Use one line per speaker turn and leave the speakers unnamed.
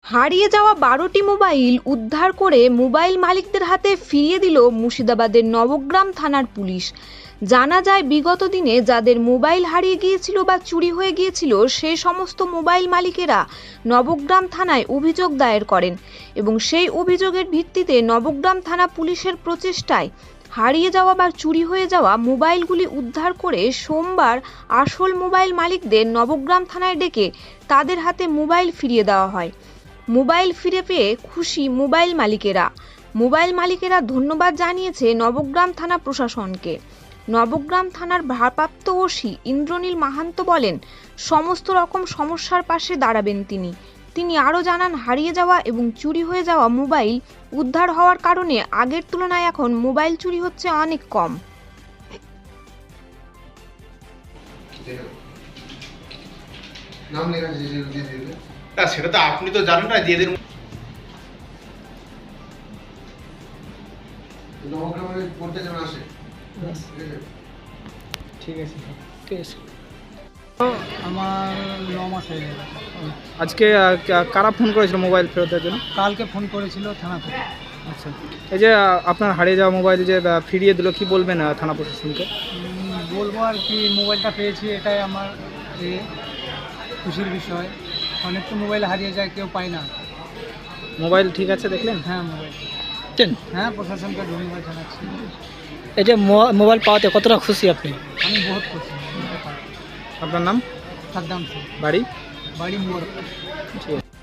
হারিয়ে যাওয়া ১২টি মোবাইল উদ্ধার করে মোবাইল মালিকদের হাতে ফিরিয়ে দিল মুর্শিদাবাদের নবগ্রাম থানার পুলিশ। জানা যায়, বিগত দিনে যাদের মোবাইল হারিয়ে গিয়েছিল বা চুরি হয়ে গিয়েছিল সেই সমস্ত মোবাইল মালিকেরা নবগ্রাম থানায় অভিযোগ দায়ের করেন এবং সেই অভিযোগের ভিত্তিতে নবগ্রাম থানা পুলিশের প্রচেষ্টায় হারিয়ে যাওয়া বা চুরি হয়ে যাওয়া মোবাইলগুলি উদ্ধার করে সোমবার আসল মোবাইল মালিকদের নবগ্রাম থানায় ডেকে তাদের হাতে মোবাইল ফিরিয়ে দেওয়া হয়। মোবাইল ফিরে পেয়ে খুশি মোবাইল মালিকেরা ধন্যবাদ জানিয়েছে নবগ্রাম থানা প্রশাসনকে। নবগ্রাম থানার ভারপ্রাপ্ত ওসি ইন্দ্রনীল মাহান্ত বলেন, সমস্ত রকম সমস্যার পাশে দাঁড়াবেন তিনি আরও জানান, হারিয়ে যাওয়া এবং চুরি হয়ে যাওয়া মোবাইল উদ্ধার হওয়ার কারণে আগের তুলনায় এখন মোবাইল চুরি হচ্ছে অনেক কম।
নাম লেখা আছে যে দিয়ে দিবে
না, সেটা তো আপনি তো জানেন না, দিয়ে দিন।
নবগ্রামে পড়তে যেন আসে।
ঠিক আছে আমার 9 মাস হয়ে গেল।
আজকে কারা ফোন করেছিল মোবাইল ফেরতের জন্য?
কালকে ফোন করেছিল থানা থেকে।
আচ্ছা, এই যে আপনার হারিয়ে যাওয়া মোবাইল যে ফিরিয়ে দিল, কি বলবেন থানা প্রশাসনকে?
বলবো আর কি, মোবাইলটা পেয়েছি এটাই আমার খুশির বিষয়। অনেক তো মোবাইল হারিয়ে যায়, কেউ পায় না।
মোবাইল ঠিক আছে দেখলেন?
হ্যাঁ, মোবাইল হ্যাঁ, প্রশাসনকে ধন্যবাদ জানাচ্ছি।
এই যে মোবাইল পাওয়াতে কতটা খুশি আপনি?
আমি বহুত খুশি।
আপনার নাম?
সাদ্দাম সিং,
বাড়ি?
বাড়ি মোর।